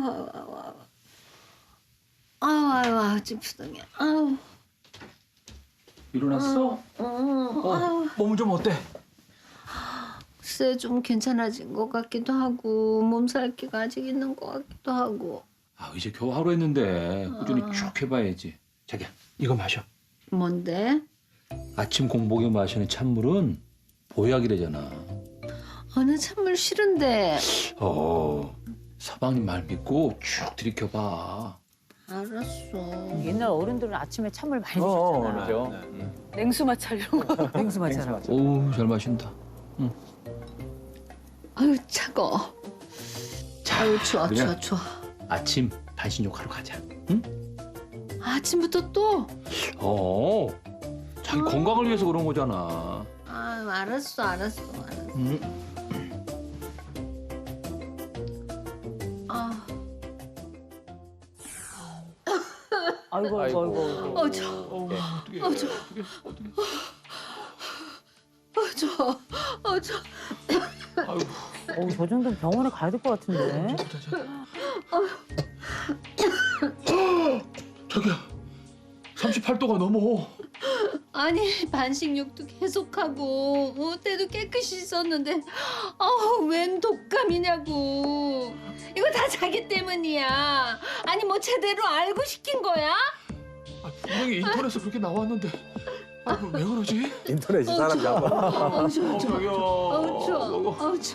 아유, 찌푸둥해. 아유. 일어났어? 몸은 좀 어때? 글쎄 좀 괜찮아진 것 같기도 하고 몸살기가 아직 있는 것 같기도 하고. 아, 이제 겨우 하루 했는데 꾸준히 쭉 해봐야지. 자기야, 이거 마셔. 뭔데? 아침 공복에 마시는 찬물은 보약이래잖아. 어느 찬물 싫은데. 서방님 말 믿고 쭉 들이켜봐. 알았어. 옛날 어른들은 아침에 찬물 많이 드셨잖아. 그렇죠. 냉수 마찰 이런 거. 냉수 마찰. 오우, 잘 마신다. 아유 차가워. 자, 아유 추워 그냥 추워. 아침 반신욕하러 가자. 응? 아침부터 또? 자기 건강을 위해서 그런 거잖아. 아유 알았어. 응? 아, 아이고. 추워. 어떻게? 추워. 아유, 저 정도면 병원에 가야 될 것 같은데. 자기야, 38도가 넘어. 아니 반식욕도 계속하고 때도 깨끗이 씻었는데 웬 독감이냐고. 이거 다 자기 때문이야. 아니 뭐 제대로 알고 시킨 거야? 분명히 인터넷에 그렇게 나왔는데. 왜 그러지? 인터넷이 사람 잡아. 추워. 자기야. 추워.